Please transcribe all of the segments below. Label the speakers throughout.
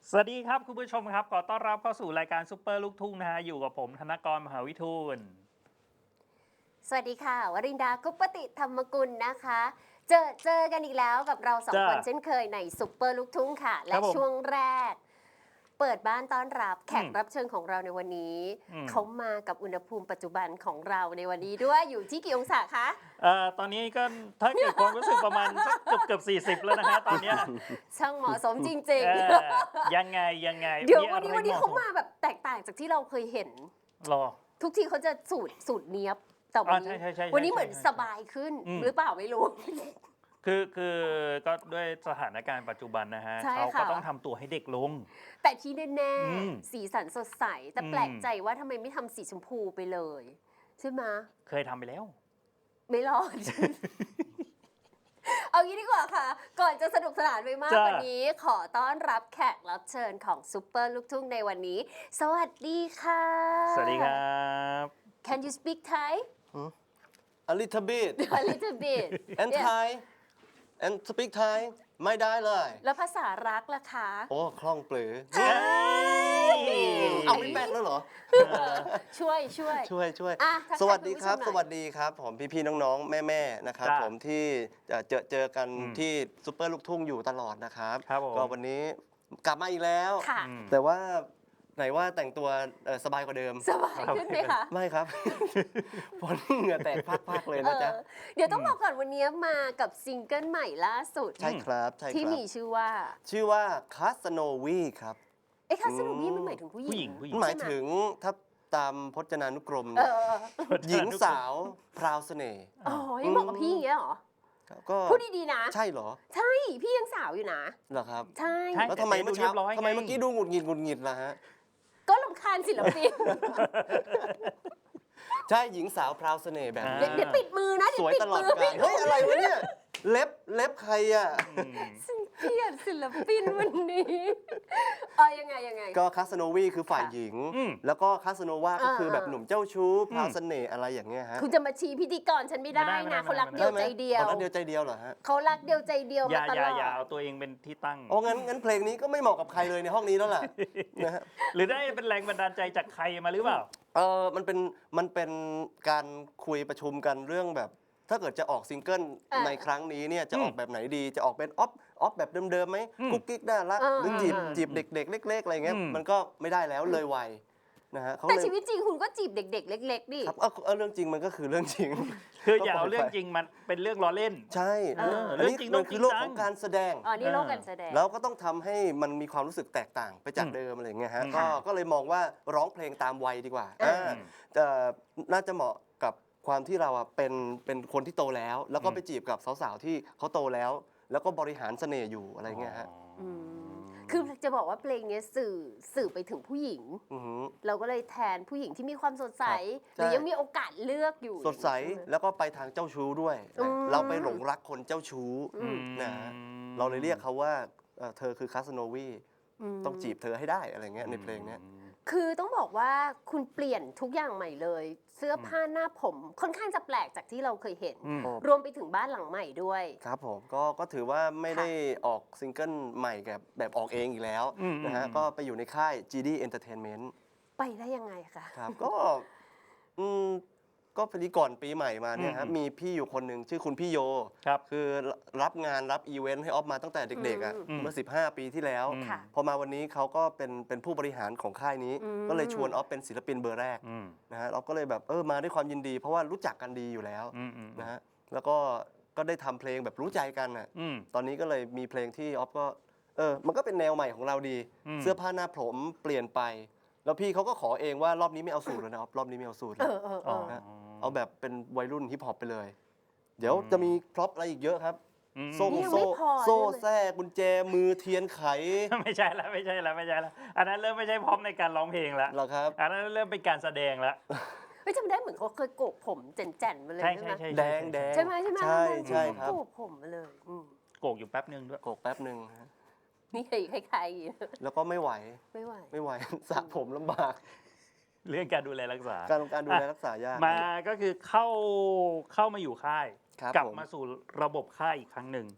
Speaker 1: สวัสดีครับคุณผู้ชมครับขอต้อนรับเข้าสู่รายการซุปเปอร์ลูกทุ่งนะฮะอยู่กับผมธนกรมหาวิทูล
Speaker 2: สวัสดีค่ะวรินดากุปปติธรรมกุลนะคะ เจอกันอีกแล้วกับเราสองคนเช่นเคยในซุปเปอร์ลูกทุ่งค่ะ และช่วงแรก เปิดบ้านต้อนรับแขกรับเชิญของเราในวันนี้ เขามากับอุณหภูมิปัจจุบันของเราในวันนี้ด้วยอยู่ที่กี่องศาคะ
Speaker 1: ตอนนี้ก็ถ้าเกิดความรู้สึกประมาณสักเกือบ40แล้วนะฮะตอนเนี้ย
Speaker 2: ช่างเหมาะสมจริง
Speaker 1: ยังไง
Speaker 2: ๆ เดี๋ยววันนี้เขามาแบบแตกต่างจากที่เราเคยเห็น
Speaker 1: รอ
Speaker 2: ทุกทีเขาจะสูตรเนี้ยบแต่วันนี้
Speaker 1: ใช่
Speaker 2: วันนี้เหมือนสบายขึ้นหรือเปล่าไม่รู้
Speaker 1: คือก็ด้วยสถานการณ์ปัจจุบันนะฮะ
Speaker 2: ใช่
Speaker 1: เขาก็
Speaker 2: ค่ะ
Speaker 1: ต้องทำตัวให้เด็กลง
Speaker 2: แต่ที่แน่
Speaker 1: อืม
Speaker 2: ๆสีสันสดใส แต่แปลกใจว่าทำไมไม่ทำสีชมพูไปเลย ใช่ไหม
Speaker 1: เคยทำไปแล้ว
Speaker 2: ไม่รอด เอางี้ดีกว่าค่ะ ก่อนจะสนุกสนานไปมาก
Speaker 1: จ้ะ
Speaker 2: กว่านี้ ขอต้อนรับแขกรับเชิญของซุปเปอร์ลูกทุ่งในวันนี้ สวัสดีค่ะ
Speaker 1: สวัสดีครับ
Speaker 2: Can you speak Thai
Speaker 3: A little bit
Speaker 2: a little bit
Speaker 3: and
Speaker 2: Yeah.
Speaker 3: Thai and speak Thai ไม่ได้เลย
Speaker 2: แล้วภาษารักล่ะคะ
Speaker 3: โอ้คล่องปลือ
Speaker 1: เฮ้ย
Speaker 3: เอาไม่แป๊กแล้วเหรอ
Speaker 2: ช่วย
Speaker 3: ช่วย
Speaker 2: อ่ะทักทาย
Speaker 3: สวัสดีครับ
Speaker 2: คุณผู้ชมหน่อย
Speaker 3: สวัสดีครับ ผมพี่ๆน้องๆ แม่ๆนะครับ
Speaker 1: จ้ะ
Speaker 3: ผมที่เจอกันที่ซุปเปอร์ลูกทุ่งอยู่ตลอดนะครับ
Speaker 1: ครับผม
Speaker 3: ก็วันนี้กลับมาอีกแล้ว
Speaker 2: ค่ะ
Speaker 3: แต่ว่าไหนว่าแต่งตัวสบายกว่าเดิม
Speaker 2: สบายขึ้นไหมคะ
Speaker 3: ไม่ครับ เพราะนี่เหงื่อแตกพากๆเลยนะจ๊ะ
Speaker 2: เดี๋ยวต้องบอกก่อนวันนี้มากับซิงเกิลใหม่ล่าสุด
Speaker 3: ใช่ครับใช่
Speaker 2: ที่
Speaker 3: ครับ
Speaker 2: มีชื่อว่า
Speaker 3: ชื่อว่าคาสโนวีครับ
Speaker 2: คาสโนวีมันหมายถึงผู้หญิง
Speaker 1: ผู้หญิง
Speaker 3: หมายถึงถ้าตามพจนานุกรม
Speaker 2: เอ
Speaker 3: เนี่ย
Speaker 2: อ
Speaker 3: หญิงสาวพราวเสน่ห์
Speaker 2: อ๋อยังบอกกับพี่อย่างเงี้ยเหรอ
Speaker 3: ก็
Speaker 2: พูดดีๆนะ
Speaker 3: ใช่เหรอ
Speaker 2: ใช่ พี่ยังสาวอยู่นะ
Speaker 3: เหรอครับ
Speaker 2: ใช่
Speaker 1: ใช่
Speaker 3: แล้วทำไมเมื่อ
Speaker 1: แต่เรี
Speaker 3: เช้าย
Speaker 1: บร้อยไง
Speaker 3: ทำไมเมื่อกี้ดูหงุดหงิดล่ะฮะ
Speaker 2: ก็รำคาญศิลปิน
Speaker 3: ใช่หญิงสาวพราวเสน่ห์แบบ
Speaker 2: เดี๋
Speaker 3: นี้
Speaker 2: ยวปิดมือนะ
Speaker 3: สวย
Speaker 2: เดี๋ยวปิด
Speaker 3: ตลอด
Speaker 2: มือก
Speaker 3: าลเฮ้ยอะไรวะเนี่ยเล็บใครอ่ะ
Speaker 2: ฉันเกลียดศิลปินวันนี้ยังไง
Speaker 3: ก็คาสโนวีคือฝ่ายหญิง แล้วก็คาสโนวาก็คือแบบหนุ่มเจ้าชู้พราวเสน่ห์อะไรอย่างเงี้ยฮะ
Speaker 2: คุณจะมาชี้พิธีกรฉันไม่ได้
Speaker 1: ไม่ได้
Speaker 2: นะ
Speaker 1: ไม่ได้
Speaker 2: เขารัก
Speaker 1: ไม่ได้
Speaker 2: เดียวใจเดียว
Speaker 3: อ๋อรักเดียวใจเดียวเหรอฮะ
Speaker 2: เขารักเดียวใจเดียว
Speaker 1: อย่า
Speaker 2: มาต
Speaker 1: อย่า
Speaker 2: ลอด
Speaker 1: อย่าเอาตัวเองเป็นที่ตั้ง
Speaker 3: โอ้งั้นเพลงนี้ก็ไม่เหมาะกับใครเลยในห้องนี้แล้วล่ะ นะฮะ
Speaker 1: หรือได้เป็นแรงบันดาลใจจากใครมาหรือเปล่า
Speaker 3: มันเป็นการคุยประชุมกันเรื่องแบบ ถ้าเกิดจะออกซิงเกิลในครั้งนี้เนี่ยจะออกแบบไหนดีจะออกเป็นออฟแบบเดิมๆไหมกุ๊กกิ๊กน่ารักหรือจีบเด็กๆเล็กๆอะไรเงี้ยมันก็ไม่ได้แล้วเลยวัยนะฮะเขา
Speaker 2: แต่
Speaker 3: เลย
Speaker 2: ชีวิตจริงคุณก็จีบเด็ก ๆ เล็กๆดิ
Speaker 3: ครับเรื่องจริงมันก็คือเรื่องจริง
Speaker 1: คืออย่าเอาเรื่องจริงมันเป็นเรื่องล้อเล่น
Speaker 3: ใช่
Speaker 1: เรื่องจริง
Speaker 3: มั
Speaker 1: ต้อง
Speaker 3: คือโลก
Speaker 1: จริงจัง
Speaker 3: ของการแสดง
Speaker 2: อ๋อ นี่โลกการแสดง
Speaker 3: แล้วก็ต้องทำให้มันมีความรู้สึกแตกต่างไปจากเดิมอะไรเงี้ยฮะก็เลยมองว่าร้องเพลงตามวัยดีกว่าน่าจะเหมาะกับความที่เราเป็นคนที่โตแล้ว แล้วก็ไปจีบกับสาวๆที่เขาโตแล้ว แล้วก็บริหารเสน่ห์อยู่อะไรเงี้ยฮะ
Speaker 2: คือจะบอกว่าเพลงนี้สื่อไปถึงผู้หญิง
Speaker 3: อือหือ
Speaker 2: เราก็เลยแทนผู้หญิงที่มีความสดใส
Speaker 3: ครับ
Speaker 2: หรือ
Speaker 3: ใช่
Speaker 2: ยังมีโอกาสเลือกอยู่
Speaker 3: สดใส
Speaker 2: อย่างนี้ช่ไหม
Speaker 3: แล้วก็ไปทางเจ้าชู้ด้วยนะเราไปหลงรักคนเจ้าชู้นะฮะเราเลยเรียกเขาว่าเธอคือคาสโนวีต้องจีบเธอให้ได้อะไรเงี้ยในเพลงเนี้ย
Speaker 2: คือต้องบอกว่าคุณเปลี่ยนทุกอย่างใหม่เลย เสื้อผ้าหน้าผมค่อนข้างจะแปลกจากที่เราเคยเห็น รวมไปถึงบ้านหลังใหม่ด้วย
Speaker 3: ครับผมก็ถือว่าไม่ได้ออกซิงเกิลใหม่แบบออกเองอีกแล้วนะฮะก็ไปอยู่ในค่าย GD Entertainment
Speaker 2: ไปได้ยังไงคะ
Speaker 3: ครับก็พอดีก่อนปีใหม่มาเนี่ยครับมีพี่อยู่คนหนึ่งชื่อคุณพี่โย
Speaker 1: ครับ
Speaker 3: คือรับงานรับอีเวนต์ให้ออฟมาตั้งแต่เด็กๆอ่ะเมื่อ15 ปีที่แล้ว
Speaker 2: ค่ะ
Speaker 3: พอมาวันนี้เขาก็เป็นผู้บริหารของค่ายนี้ ก็เลยชวนออฟเป็นศิลปินเบอร์แรกนะฮะเราก็เลยแบบมาด้วยความยินดี เพราะว่ารู้จักกันดีอยู่แล้วนะฮะแล้วก็ได้ทำเพลงแบบรู้ใจกันอ่ะตอนนี้ก็เลยมีเพลงที่ออฟก็มันก็เป็นแนวใหม่ของเราดี เสื้อผ้าหน้าผมเปลี่ยนไป แล้วพี่เขาก็ขอเองว่ารอบนี้ไม่เอาสูตรแล้วนะออฟรอบนี้ไม่เอาสูตรแล้วนะเอาแบบเป็นวัยรุ่นฮิปฮอปไปเลย เดี๋ยวจะมีพร็อพอะไรอีกเยอะครับโซ่
Speaker 2: นี่ยังไม่พอ
Speaker 3: โซ่
Speaker 2: ใช่ไหม
Speaker 3: แทรกกุญแจมือเทียนไข
Speaker 1: ไม่ใช่แล้วอันนั้นเริ่มไม่ใช่พร้อมในการร้องเพลงแล้ว
Speaker 3: เหรอครับ
Speaker 1: อันนั้นเริ่มเป็นการแสดงแล้ว
Speaker 2: เฮ้ยจำได้เหมือนเขาเคยโกกผมแจ่นๆมาเลย
Speaker 1: ใช่
Speaker 2: ใช่ไหม
Speaker 1: ใช่
Speaker 3: แดง
Speaker 2: ใช่ไหม
Speaker 3: ใช่ครับ
Speaker 2: โกกผมมาเลย
Speaker 1: โกกอยู่แป๊บนึงด้วย
Speaker 3: โกกแป๊บหนึ่งฮะ
Speaker 2: นี่คล้ายๆอย่างนี้
Speaker 3: แล้วก็ไม่ไหว
Speaker 2: ไม่ไหว
Speaker 3: ไม่ไหว สระผมลำบาก
Speaker 1: เรื่องการดูแลรักษา
Speaker 3: การดูแลรักษายาก
Speaker 1: มาก็คือเข้ามาอยู่ค่าย
Speaker 3: ครับ
Speaker 1: กลับ
Speaker 3: ผม
Speaker 1: มาสู่ระบบค่ายอีกครั้งหนึ่ง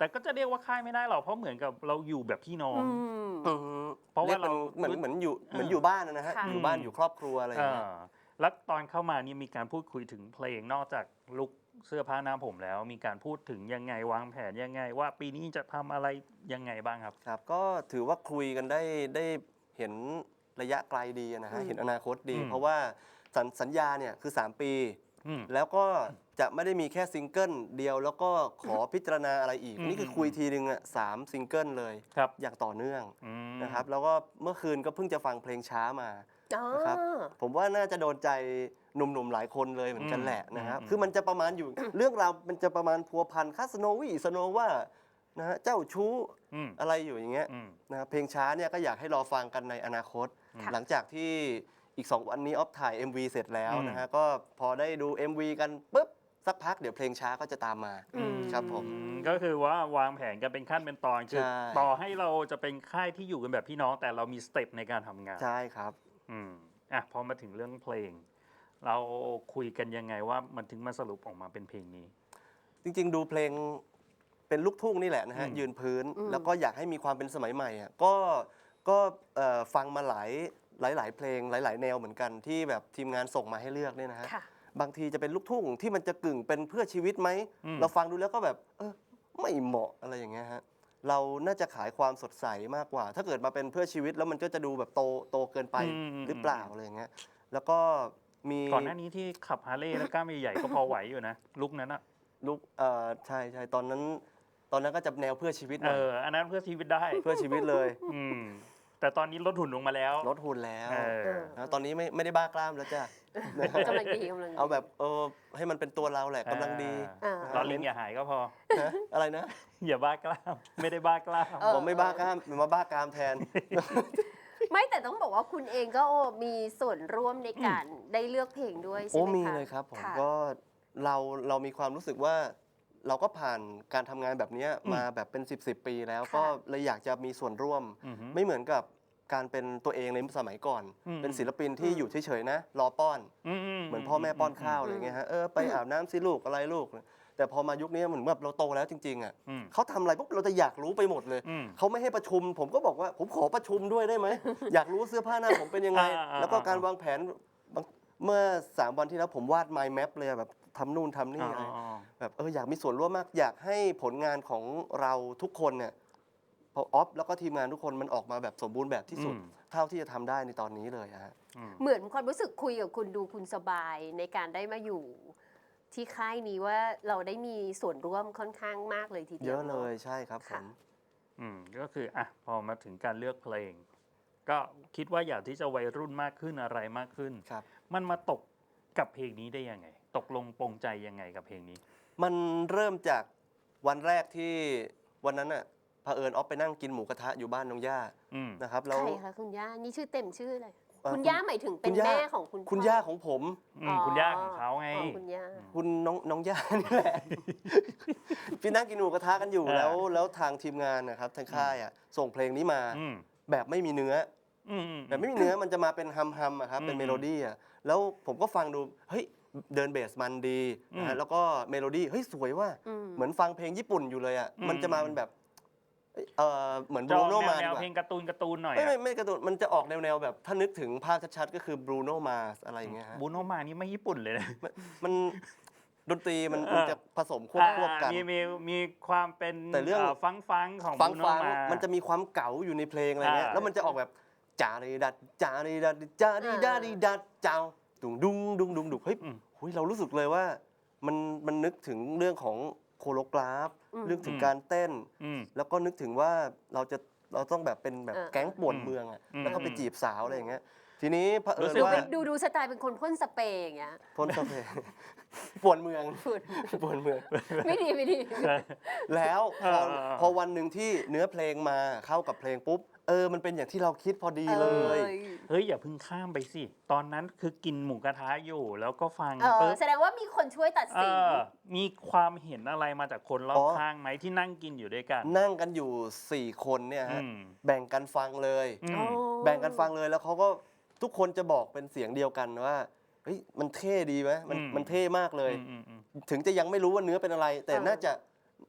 Speaker 1: แต่ก็จะเรียกว่าค่ายไม่ได้หรอกเพราะเหมือนกับเราอยู่แบบพี่น้อง
Speaker 2: อืม
Speaker 1: เพราะว่าเรา
Speaker 3: เหมือนอยู่บ้านนะฮะ
Speaker 2: ค่ะ
Speaker 3: อยู่บ้านอยู่ครอบครัวอะไรอย่างเงี้ย
Speaker 1: แล้วตอนเข้ามานี่มีการพูดคุยถึงเพลงนอกจากลุคเสื้อผ้าหน้าผมแล้ว มีการพูดถึงยังไงวางแผนยังไง ว่าปีนี้จะทำอะไรยังไงบ้างครับ
Speaker 3: ครับก็ถือว่าคุยกันได้เห็นระยะไกลดีนะฮะเห็นอนาคตดี เพราะว่าสัญญาเนี่ยคือ 3 ปี แล้วก็จะไม่ได้มีแค่ซิงเกิลเดียวแล้วก็ขอพิจารณาอะไรอีก นี่คือคุยทีนึงอ่ะ3 ซิงเกิลเลย
Speaker 1: ครับ
Speaker 3: อย่างต่อเนื่องนะครับแล้วก็เมื่อคืนก็เพิ่งจะฟังเพลงช้ามา
Speaker 2: อ๋อ
Speaker 3: นะครับผมว่าน่าจะโดนใจหนุ่มๆหลายคนเลยเหมือนกันแหละนะครับคือมันจะประมาณอยู่ เรื่องราวมันจะประมาณพัวพันค่าสโนวี่สโนว่านะฮะเจ้าชู้อะไรอยู่อย่างเงี้ยนะครับเพลงช้าเนี่ยก็อยากให้รอฟังกันในอนาคต หลังจากที่อีก 2 วันนี้ออฟถ่าย MV เสร็จแล้วนะฮะก็พอได้ดู MV กันปุ๊บสักพักเดี๋ยวเพลงช้าก็จะตามมาครับผม
Speaker 1: ก็คือว่าวางแผนกันเป็นขั้นเป็นตอนคือ
Speaker 3: ใช่
Speaker 1: ต่อให้เราจะเป็นค่ายที่อยู่กันแบบพี่น้องแต่เรามีสเต็ปในการทำงาน
Speaker 3: ใช่ครับ
Speaker 1: พอมาถึงเรื่องเพลง เราคุยกันยังไงว่ามันถึงมาสรุปออกมาเป็นเพลงนี้
Speaker 3: จริงๆดูเพลงเป็นลูกทุ่งนี่แหละนะฮะยืนพื้นแล้วก็อยากให้มีความเป็นสมัยใหม่อ่ะก็ฟังมาหลายเพลงหลาย ๆ แนวเหมือนกันที่แบบทีมงานส่งมาให้เลือกเนี่ยนะฮะ
Speaker 2: ค่ะ
Speaker 3: บางทีจะเป็นลูกทุ่งที่มันจะกึ่งเป็นเพื่อชีวิตไหมเราฟังดูแล้วก็แบบไม่เหมาะอะไรอย่างเงี้ยฮะเราน่าจะขายความสดใสมากกว่า ถ้าเกิดมาเป็นเพื่อชีวิตแล้วมันก็จะดูแบบโตเกินไปหรือเปล่าอะไรอย่างเงี้ยแล้วก็มี
Speaker 1: ก่อนหน้านี้ที่ขับฮาร์เลย์แล้วกล้ามใหญ่ๆก็พอไหวอยู่นะลุกนั้นอะ
Speaker 3: ลูกใช่ตอนนั้นก็จะแนวเพื่อชีวิตหน่อย
Speaker 1: อันนั้นเพื่อชีวิตได้
Speaker 3: เพื่อชีวิตเลย
Speaker 1: แต่ตอนนี้ลดหุ่นลงมาแล้ว
Speaker 3: ลดหุ่นแล้ว
Speaker 1: เออ
Speaker 3: นะตอนนี้ไม่ได้บ้ากล้ามแล้วจ้ะ
Speaker 2: กำลังดีกำลังดี
Speaker 3: เอาแบบให้มันเป็นตัวเราแหละกำลังดี
Speaker 1: รอลิงอย่าหายก็พอ
Speaker 3: นะอะไรนะ
Speaker 1: อย่าบ้ากล้าม ไม่ได้บ้ากล้าม
Speaker 3: ผมไม่บ้ากล้ามมาบ้ากล้ามแทน
Speaker 2: ไม่แต่ต้องบอกว่าคุณเองก็มีส่วนร่วมในการได้เลือกเพลงด้วยใช่ไหมคะ
Speaker 3: มีเลยครับผม
Speaker 2: ะ
Speaker 3: ก็เรามีความรู้สึกว่าเราก็ผ่านการทำงานแบบนี้มาแบบเป็น10 ปีแล้ว
Speaker 2: ค่ะ
Speaker 3: ก็เลยอยากจะมีส่วนร่วม ไม่เหมือนกับการเป็นตัวเองในสมัยก่อน เป็นศิลปินที่อยู่เฉยๆนะรอป้อน เหมือนพ่อแม่ป้อนข้าวอะไรเงี้ยฮะไปอาบน้ำสิลูกอะไรลูก แต่พอมายุคนี้เหมือนแบบเราโตแล้วจริงๆอ่ะเขาทำอะไรปุ๊บเราจะอยากรู้ไปหมดเลยเขาไม่ให้ประชุม ผมก็บอกว่าผมขอประชุมด้วยได้ไหม อยากรู้เสื้อผ้าหน้าผมเป็นยังไง แล้วก็การวางแผนเมื่อ3 วันที่แล้วผมวาด mind map เลยแบบทำนู่นทำนี่อะไรแบบอยากมีส่วนร่วมมากอยากให้ผลงานของเราทุกคนเนี่ยพอออฟแล้วก็ทีมงานทุกคนมันออกมาแบบสมบูรณ์แบบที่สุด เท่าที่จะทำได้ในตอนนี้เลยฮะ
Speaker 2: เหมือนความรู้สึกคุยกับคุณดูคุณสบายในการได้มาอยู่ที่ค่ายนี้ว่าเราได้มีส่วนร่วมค่อนข้างมากเลยทีเดียว
Speaker 3: เยอะเลยใช่ครับผ
Speaker 2: ค่ะ
Speaker 3: ม
Speaker 1: ก็คือพอมาถึงการเลือกเพลง ก็คิดว่าอยากที่จะวัยรุ่นมากขึ้นอะไรมากขึ้น
Speaker 3: ครับ
Speaker 1: มันมาตกกับเพลงนี้ได้ยังไง ตกลงปรงใจยังไงกับเพลงนี้
Speaker 3: มันเริ่มจากวันแรกที่วันนั้นอ่ะเผอิญออฟไปนั่งกินหมูกระทะอยู่บ้านน้องย่านะครับแล้ว
Speaker 2: ใครคะคุณย่านี่ชื่อเต็มชื่ออะไร คุณ
Speaker 3: คุณ
Speaker 2: ย่าหมายถึงเป็นแม่ของคุณ
Speaker 3: คุณ
Speaker 2: พ่อ
Speaker 3: ย่าของผม
Speaker 1: คุณย่าของเขาไง
Speaker 2: อ๋อคุณย่า
Speaker 3: คุณน้องย่านี่แหละ พี่นั่งกินหมูกระทะกันอยู่แล้วทางทีมงานนะครับทางค่ายอ่ะส่งเพลงนี้มาแบบไม่มีเนื้อแบบไม่มีเนื้อมันจะมาเป็นฮัมอะครับเป็นเมโลดี้อ่ะแล้วผมก็ฟังดูเฮ้ยเดินเบสมันดีนะฮะแล้วก็เมโลดี้เฮ้ยสวยว่าเหมือนฟังเพลงญี่ปุ่นอยู่เลยอ่ะมันจะมาเป็นแบบเหมือนบรูโนมา
Speaker 1: แนวเพลงการ์ตูนหน่อย
Speaker 3: ไม่การ์ตูนมันจะออกแนวแบบถ้านึกถึงภาพชัดๆก็คือบรูโนมาอะไรอย่างเงี้ยฮะ
Speaker 1: บูโนมานี่ไม่ญี่ปุ่นเลยนะ
Speaker 3: มันดนตรีมันจะผสมควบกัน
Speaker 1: มีความเป็น
Speaker 3: แต่เรื่อง
Speaker 1: ฟังของ
Speaker 3: ฟัง
Speaker 1: บูโน
Speaker 3: ฟัง
Speaker 1: มา
Speaker 3: มันจะมีความเก๋าอยู่ในเพลงอะไรเงี้ยแล้วมันจะออกแบบจารีดัดจารีดัดจารีดัดดัดเจ้าดุงดุงเฮ้ยเรารู้สึกเลยว่ามันนึกถึงเรื่องของโคโรกราฟเรื่องถึงการเต้นแล้วก็นึกถึงว่าเราต้องแบบเป็นแบบแก๊งป่วนเมืองอ่ะแล้วก็ไปจีบสาวอะไรอย่างเงี้ยทีนี้เผอิญว่า
Speaker 2: ดูสไตล์เป็นคนพ่นสเปรย์อย่างเงี้ย
Speaker 3: พ้นสเปรย์ป่วนเมือง ป่วนเมือง
Speaker 2: ไม่ดี
Speaker 3: แล้วพอวันหนึ่งที่เนื้อเพลงมาเข้ากับเพลงปุ๊บมันเป็นอย่างที่เราคิดพอดีเลย
Speaker 1: เฮ้ยอย่าเพิ่งข้ามไปสิ ตอนนั้นคือกินหมูกระทะอยู่แล้วก็ฟัง
Speaker 2: แสดงว่ามีคนช่วยตัดสิน
Speaker 1: มีความเห็นอะไรมาจากคนรอบข้างไหมที่นั่งกินอยู่ด้วยกัน
Speaker 3: นั่งกันอยู่ 4 คนเนี่ยฮะแบ่งกันฟังเลย แบ่งกันฟังเลยแล้วเขาก็ทุกคนจะบอกเป็นเสียงเดียวกันว่าเฮ้ยมันเท่ดีไหมมันเท่มากเลย ถึงจะยังไม่รู้ว่าเนื้อเป็นอะไร แต่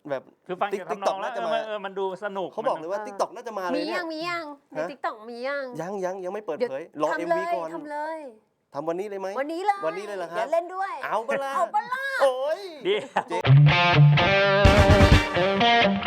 Speaker 3: แบบ
Speaker 1: คือฟังจากทำนองแล้ว
Speaker 3: น่าจะมา
Speaker 1: มันดูสนุก
Speaker 3: เขาบอกเลยว่า TikTok น่าจะมาเลย
Speaker 2: มี
Speaker 3: เนี่
Speaker 2: ยั
Speaker 3: ย
Speaker 2: งใน
Speaker 3: ฮะ
Speaker 2: TikTok มียัง
Speaker 3: ยังไม่เปิด
Speaker 2: เดี๋ยว
Speaker 3: เผยรอ
Speaker 2: ทำ
Speaker 3: MV
Speaker 2: เลย
Speaker 3: ก่อน
Speaker 2: ทำเลย
Speaker 3: ทำวันนี้เลยไหม
Speaker 2: วันนี้เลย
Speaker 3: วันนี้เลยเหรอครับ
Speaker 2: เดี๋ยวเล่นด้วย
Speaker 3: เอาปะล่ะ
Speaker 2: เอาปะล่ะ
Speaker 3: โอ้ย
Speaker 1: เดี๋ยว